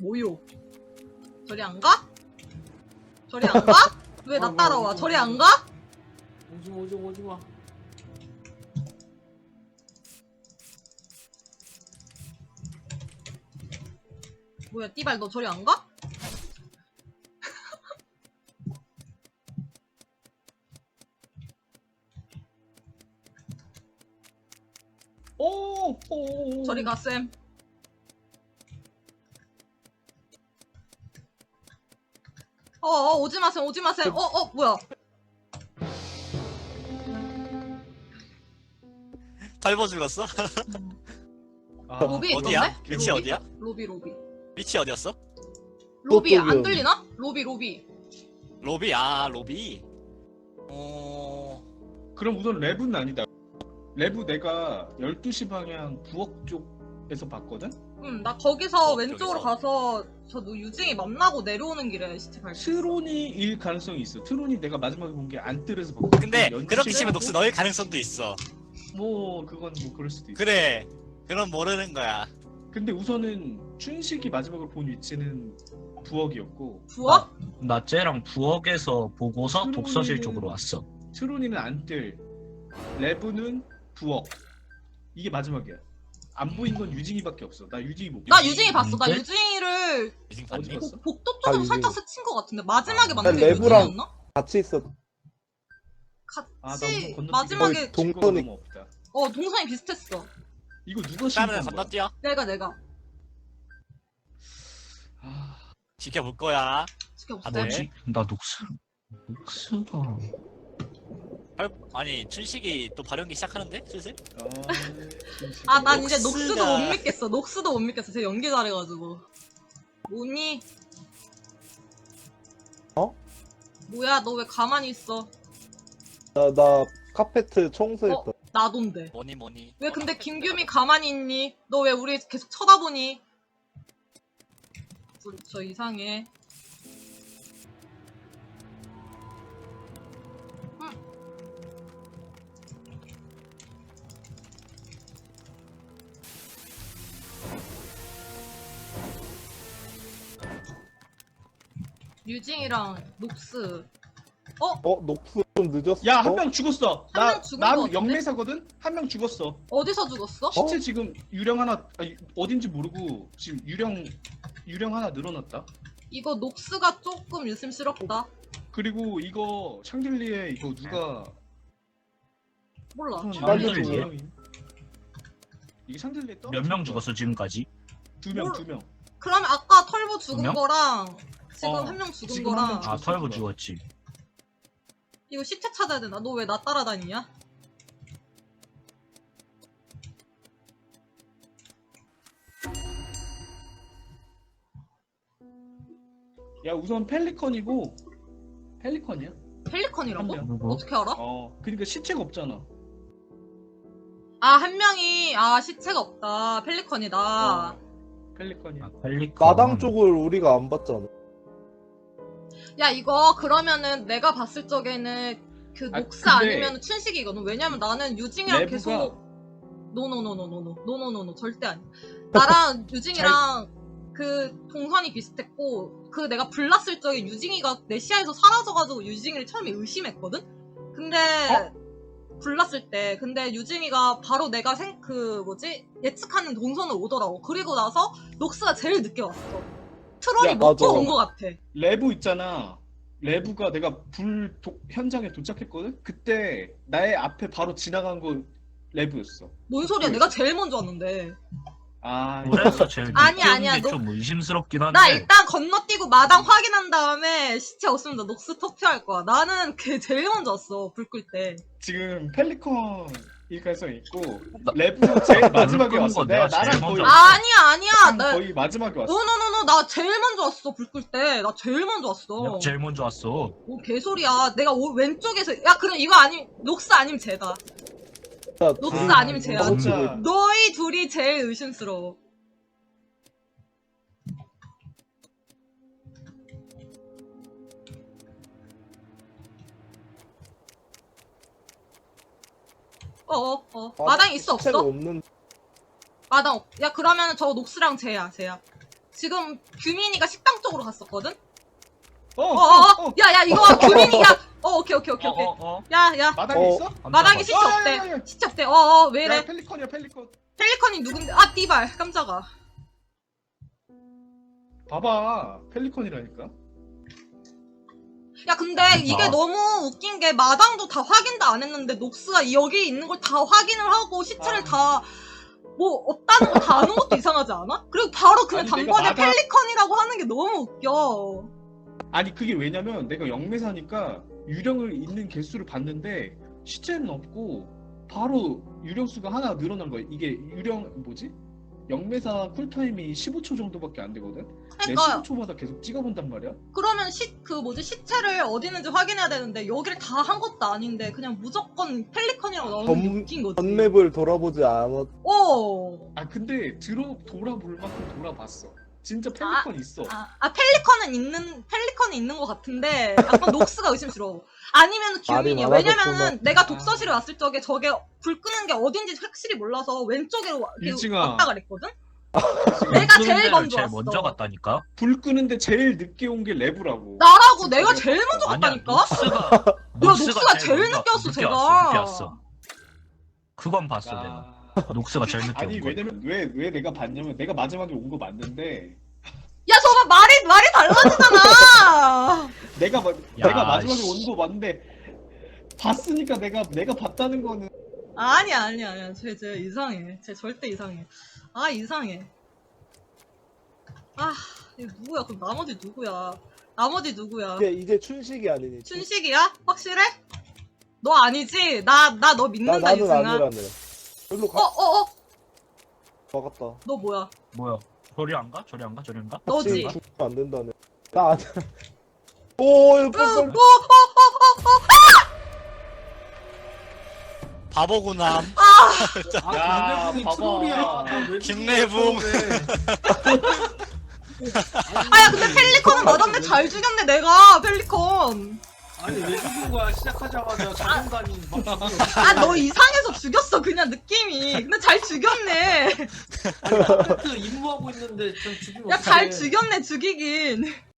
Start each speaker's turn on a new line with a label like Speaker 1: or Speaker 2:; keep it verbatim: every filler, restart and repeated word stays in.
Speaker 1: 뭐요? 저리 안 가? 저리 안 가? 왜 나 따라와? 저리 안 가?
Speaker 2: 오지마 오지마 오지마.
Speaker 1: 뭐야 띠발 너 저리 안 가?
Speaker 2: 오! 오!
Speaker 1: 저리 가 쌤. 어어 오지마 쌤 오지마 쌤. 어어 뭐야?
Speaker 3: 덜버 죽었어?
Speaker 2: 아,
Speaker 1: 로비
Speaker 3: 어디야?
Speaker 1: 있던데?
Speaker 3: 위치
Speaker 1: 로비?
Speaker 3: 어디야?
Speaker 1: 로비 로비.
Speaker 3: 위치 어디였어?
Speaker 1: 로비 안
Speaker 4: 저쪽이요.
Speaker 1: 들리나? 로비 로비.
Speaker 3: 로비. 아 로비. 어...
Speaker 2: 그럼 우선 랩은 아니다. 랩은 내가 열두 시 방향 부엌 쪽에서 봤거든?
Speaker 1: 응 나 거기서
Speaker 3: 어,
Speaker 1: 왼쪽으로
Speaker 3: 저기서.
Speaker 1: 가서 저 누- 유징이 만나고 내려오는 길에 시체 발견.
Speaker 2: 트론이일 가능성이 있어. 트론이 내가 마지막에 본 게 안뜰에서 봤거든.
Speaker 3: 근데
Speaker 2: 연출이
Speaker 3: 그렇게 치면
Speaker 2: 있고,
Speaker 3: 녹스 너일 가능성도 있어.
Speaker 2: 뭐 그건 뭐 그럴 수도 있어.
Speaker 3: 그래. 그럼 모르는 거야.
Speaker 2: 근데 우선은 춘식이 마지막으로 본 위치는 부엌이었고
Speaker 1: 부엌?
Speaker 5: 나 쟤랑 부엌에서 보고서
Speaker 2: 트론이는-
Speaker 5: 독서실 쪽으로 왔어.
Speaker 2: 트론이는 안뜰, 레브는 부엌. 이게 마지막이야. 안 보인 건 유징이밖에 없어. 나 유징이 못
Speaker 1: 나
Speaker 2: 봤어.
Speaker 1: 유징이 봤어. 나
Speaker 5: 네?
Speaker 1: 유징이를
Speaker 3: 유징
Speaker 2: 어디
Speaker 3: 봤니?
Speaker 2: 봤어?
Speaker 1: 복- 복도
Speaker 4: 아,
Speaker 1: 쪽으로 살짝
Speaker 4: 유징이.
Speaker 1: 스친 것 같은데 마지막에
Speaker 3: 아.
Speaker 1: 만난 게
Speaker 4: 레브랑-
Speaker 1: 유징이었나?
Speaker 4: 같이 있어.
Speaker 1: 같이
Speaker 2: 아, 나 우선 건너뛰기
Speaker 1: 마지막에
Speaker 4: 거의
Speaker 2: 증거가
Speaker 4: 동선이-
Speaker 2: 너무 없다.
Speaker 1: 어 동선이 비슷했어.
Speaker 2: 이거 누가
Speaker 3: 그러면
Speaker 2: 신고한 거야?
Speaker 3: 건너뛰어.
Speaker 1: 내가 내가
Speaker 2: 아,
Speaker 3: 지켜볼 거야.
Speaker 1: 지켜보세요.
Speaker 3: 아, 네.
Speaker 5: 뭐지? 나 녹스. 녹스가.
Speaker 3: 헐, 아니 춘식이 또 발연기 시작하는데 슬슬?
Speaker 2: 아, 춘식.
Speaker 1: 아, 난 이제
Speaker 3: 녹스가-
Speaker 1: 녹스도 못 믿겠어. 녹스도 못 믿겠어. 제 연기 잘해가지고. 뭐니?
Speaker 4: 어?
Speaker 1: 뭐야, 너 왜 가만히 있어?
Speaker 4: 나, 나 카페트 청소했다.
Speaker 1: 어? 나돈데.
Speaker 3: 뭐니 뭐니.
Speaker 1: 왜 근데 김규미 가만히 있니? 너 왜 우리 계속 쳐다보니? 우리 저 이상해. 응. 유징이랑 녹스. 어?
Speaker 4: 어, 녹수 좀 늦었어.
Speaker 2: 야, 한 명 죽었어.
Speaker 1: 한명
Speaker 2: 나,
Speaker 1: 죽은 거
Speaker 2: 난
Speaker 1: 같은데?
Speaker 2: 영매사거든? 한 명 죽었어.
Speaker 1: 어디서 죽었어?
Speaker 2: 시체 지금 유령 하나, 아니, 어딘지 모르고 지금 유령, 유령 하나 늘어났다.
Speaker 1: 이거 녹스가 조금 유심스럽다.
Speaker 2: 그리고 이거 샹들리에 이거 누가
Speaker 1: 몰라.
Speaker 2: 우선
Speaker 4: 빨리
Speaker 2: 남자
Speaker 5: 죽어.
Speaker 2: 유령이- 이게 샹들리에 떠?
Speaker 5: 몇 명 죽었어 지금까지?
Speaker 2: 두 명,
Speaker 1: 몰-
Speaker 2: 두 명.
Speaker 1: 그러면 아까 털보 죽은
Speaker 5: 두 명?
Speaker 1: 거랑 지금
Speaker 2: 어,
Speaker 1: 한 명 죽은
Speaker 2: 지금 한
Speaker 1: 거랑
Speaker 2: 명
Speaker 5: 아
Speaker 2: 죽었어,
Speaker 5: 털보
Speaker 2: 그거.
Speaker 5: 죽었지.
Speaker 1: 이거 시체 찾아야 되나? 너 왜 나 따라다니냐?
Speaker 2: 야, 우선 펠리컨이고 펠리컨이야?
Speaker 1: 펠리컨이라고?
Speaker 2: 한
Speaker 5: 명. 누구?
Speaker 1: 어떻게 알아?
Speaker 2: 어, 그러니까 시체가 없잖아.
Speaker 1: 아, 한 명이 아 시체가 없다. 펠리컨이다.
Speaker 2: 어, 펠리컨이야.
Speaker 5: 아, 펠리컨.
Speaker 4: 마당 쪽을 우리가 안 봤잖아.
Speaker 1: 야, 이거 그러면은 내가 봤을 적에는 그
Speaker 2: 아,
Speaker 1: 녹스
Speaker 2: 근데-
Speaker 1: 아니면 춘식이거든. 왜냐면 나는 유징이랑
Speaker 2: 내부가-
Speaker 1: 계속 노노노노노노 노노노노 절대 아니야. 나랑 유징이랑 그 동선이 비슷했고 그 내가 불났을 적에 유징이가 내 시야에서 사라져가지고 유징이를 처음에 의심했거든. 근데 불났을 때 근데 유징이가 바로 내가 생 그 뭐지 예측하는 동선으로 오더라고. 그리고 나서 녹스가 제일 늦게 왔어. 트론이
Speaker 2: 야,
Speaker 1: 먹고
Speaker 4: 맞아.
Speaker 1: 온 것 같아.
Speaker 2: 레브 있잖아. 레브가 내가 불 도- 현장에 도착했거든? 그때 나의 앞에 바로 지나간 거 레브였어.
Speaker 1: 뭔 소리야? 내가 제일 먼저 왔는데.
Speaker 2: 아,
Speaker 5: 그래서 제일
Speaker 1: 아니야,
Speaker 5: 늦게
Speaker 1: 아니야,
Speaker 5: 온게
Speaker 1: 너-
Speaker 5: 좀 의심스럽긴 한데.
Speaker 1: 나 일단 건너뛰고 마당 확인한 다음에 시체 없으면 나 녹스 투표할 거야. 나는 걔 제일 먼저 왔어. 불 끌 때.
Speaker 2: 지금 펠리컨일 가능성이 있고 레브 제일 마지막에
Speaker 5: 끄는
Speaker 2: 왔어.
Speaker 5: 거
Speaker 2: 내가
Speaker 5: 내가
Speaker 2: 나랑
Speaker 5: 제일
Speaker 2: 거의
Speaker 5: 먼저
Speaker 1: 아니야, 아니야.
Speaker 2: 나랑
Speaker 1: 나
Speaker 2: 거의 마지막에 왔어.
Speaker 1: 노노노노 나 제일 먼저 왔어. 불 끌 때. 나 제일 먼저 왔어.
Speaker 5: 내가 제일 먼저 왔어.
Speaker 1: 뭐 개소리야. 내가 오, 왼쪽에서 야 그럼 이거 아니 녹스 아니면 쟤다.
Speaker 4: 야,
Speaker 1: 녹스
Speaker 4: 둘이
Speaker 1: 아니면 쟤야.
Speaker 4: 너무
Speaker 2: 진짜.
Speaker 4: 지고 있-
Speaker 1: 너희 둘이 제일 의심스러워. 어어 어, 어. 마당 있어
Speaker 4: 시체가
Speaker 1: 없어?
Speaker 4: 없는.
Speaker 1: 마당 없. 야 그러면 저 녹스랑 쟤야 쟤야. 지금 규민이가 식당 쪽으로 갔었거든?
Speaker 2: 어,
Speaker 1: 어,
Speaker 2: 어,
Speaker 1: 어,
Speaker 2: 어.
Speaker 1: 야, 야, 이거 규민이야. 어, 오케이, 오케이, 오케이, 오케이.
Speaker 5: 어, 어, 어.
Speaker 1: 야, 야.
Speaker 2: 마당에
Speaker 4: 어.
Speaker 2: 있어?
Speaker 1: 마당에 시체
Speaker 2: 어, 야, 야,
Speaker 1: 없대.
Speaker 2: 야.
Speaker 1: 시체 없대. 어, 어, 왜
Speaker 2: 야,
Speaker 1: 이래?
Speaker 2: 펠리컨이야, 펠리컨.
Speaker 1: 펠리컨이 누군데? 아, 띠발. 깜짝아.
Speaker 2: 봐봐, 펠리컨이라니까.
Speaker 1: 야, 근데 이게
Speaker 5: 아.
Speaker 1: 너무 웃긴 게 마당도 다 확인도 안 했는데 녹스가 여기 있는 걸 다 확인을 하고 시체를
Speaker 2: 아.
Speaker 1: 다 뭐 없다는 거 다 아는 것도 이상하지 않아? 그리고 바로 그냥
Speaker 2: 아니, 내가
Speaker 1: 단번에
Speaker 2: 마당-
Speaker 1: 펠리컨이라고 하는 게 너무 웃겨.
Speaker 2: 아니 그게 왜냐면 내가 영매사니까 유령을 있는 개수를 봤는데 시체는 없고 바로 유령수가 하나 늘어난 거야. 이게 유령 뭐지? 영매사 쿨타임이 십오 초 정도밖에 안 되거든? 내
Speaker 1: 그러니까
Speaker 2: 십오 초마다 계속 찍어본단 말이야?
Speaker 1: 그러면 시, 그 뭐지 시체를 어디 있는지 확인해야 되는데 여기를 다 한 것도 아닌데 그냥 무조건 펠리컨이라고 나오는 게
Speaker 4: 전-
Speaker 1: 웃긴 거지.
Speaker 4: 전맵을 돌아보지 않았.
Speaker 1: 어.
Speaker 2: 아 근데 들어 돌아볼 만큼 돌아봤어. 진짜 펠리컨 있어.
Speaker 1: 아, 아 펠리컨은 있는 펠리컨이 있는 것 같은데 약간 녹스가 의심스러워. 아니면 규민이야.
Speaker 4: 말이
Speaker 1: 왜냐면은
Speaker 4: 많아졌구만.
Speaker 1: 내가 독서실에 왔을 적에 저게 불 끄는 게 어딘지 확실히 몰라서 왼쪽으로 와- 이렇게
Speaker 2: 유징아.
Speaker 1: 왔다 그랬거든. 내가 제일
Speaker 5: 데를
Speaker 1: 먼저
Speaker 5: 제일
Speaker 1: 왔어.
Speaker 5: 먼저 갔다니까.
Speaker 2: 불 끄는데 제일 늦게 온 게 레브라고.
Speaker 1: 나라고 내가 제일 먼저
Speaker 5: 아니야,
Speaker 1: 갔다니까.
Speaker 5: 녹스가
Speaker 1: 녹스가 제일
Speaker 5: 먼저
Speaker 1: 늦게 왔어,
Speaker 5: 늦게
Speaker 1: 제가.
Speaker 5: 왔어, 늦게 왔어. 그건 봤어 내가.
Speaker 2: 아...
Speaker 5: 녹스가 제일 늦게
Speaker 2: 아니
Speaker 5: 온 거.
Speaker 2: 왜냐면 왜 왜 내가 봤냐면 내가 마지막에 온 거 맞는데
Speaker 1: 야 저거 말이 말이 달라지잖아.
Speaker 2: 내가 마,
Speaker 5: 야,
Speaker 2: 내가 마지막에
Speaker 5: 씨.
Speaker 2: 온 거 맞는데 봤으니까 내가 내가 봤다는 거는
Speaker 1: 아니야 아니야 아니야. 쟤 쟤 이상해. 쟤 절대 이상해. 아 이상해. 아 이거 누구야? 그럼 나머지 누구야? 나머지 누구야?
Speaker 4: 이제 이제 춘식이 아니니.
Speaker 1: 춘식이야? 확실해? 너 아니지? 나 나 너
Speaker 4: 나
Speaker 1: 믿는다
Speaker 4: 나는
Speaker 1: 유승아.
Speaker 4: 아니라네. 일로 가.
Speaker 1: 어어어
Speaker 4: 막았다.
Speaker 1: 너 뭐야?
Speaker 5: 뭐야? 저리 안 가? 저리 안 가? 저리 안 가?
Speaker 1: 너지?
Speaker 4: 죽으면 안 된다네. 나 아니야. 오, 이거
Speaker 1: 어,
Speaker 4: 빨리.
Speaker 1: 어, 어, 어, 어.
Speaker 3: 바보구나.
Speaker 6: 아,
Speaker 2: 야,
Speaker 6: 김내붕이
Speaker 2: 봐봐.
Speaker 6: 트롤이야. 나왜
Speaker 3: 김내붕.
Speaker 1: 아야 근데 펠리컨은 맞았네. 잘 죽였네 내가 펠리컨.
Speaker 6: 아니 왜 죽인 거야? 시작하자마자 자존감이 막 죽여.
Speaker 1: 아 너 이상해서 죽였어 그냥 느낌이. 근데 잘 죽였네.
Speaker 6: 아니 컴퓨터 임무하고 있는데 좀 죽이면
Speaker 1: 야 잘
Speaker 6: 어떡해.
Speaker 1: 죽였네 죽이긴.